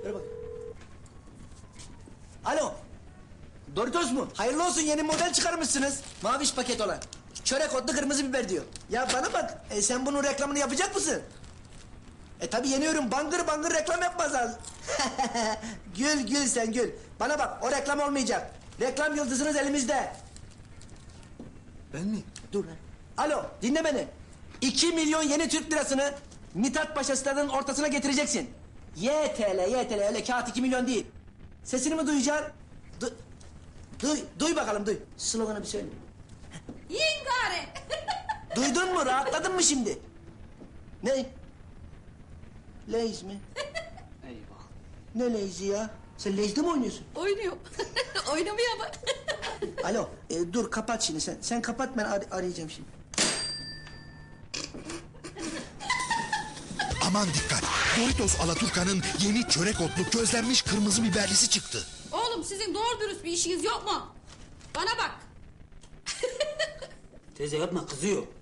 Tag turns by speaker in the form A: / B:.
A: Ver bak. Alo. Doritos mu? Hayırlı olsun, yeni model çıkarmışsınız. Maviş paket olan. Çörek otlu kırmızı biber diyor. Ya bana bak, sen bunun reklamını yapacak mısın? Tabii yeniyorum, bangır bangır reklam yapmaz lazım. Gül gül sen gül. Bana bak, o reklam olmayacak. Reklam yıldızınız elimizde.
B: Ben mi?
A: Dur lan. Alo, dinle beni. 2 milyon yeni Türk lirasını Mithat Paşa stadının ortasına getireceksin. YTL, öyle kağıt 2 milyon değil. Sesini mi duyacaksın? Duy bakalım, duy. Sloganı bir söyle.
C: Yengare.
A: Duydun mu, rahatladın mı şimdi? Ne? Leys mi?
B: Eyvah.
A: Ne Leys'i ya? Sen Leys'de mi oynuyorsun?
C: Oynuyor. Oynamıyor ama.
A: Alo, dur kapat şimdi sen. Sen kapat, ben arayacağım şimdi.
D: Aman dikkat! Doritos Alaturka'nın yeni çörek otlu közlenmiş kırmızı biberlisi çıktı.
C: Oğlum sizin doğru dürüst bir işiniz yok mu? Bana bak.
B: Teyze yapma, kızıyor.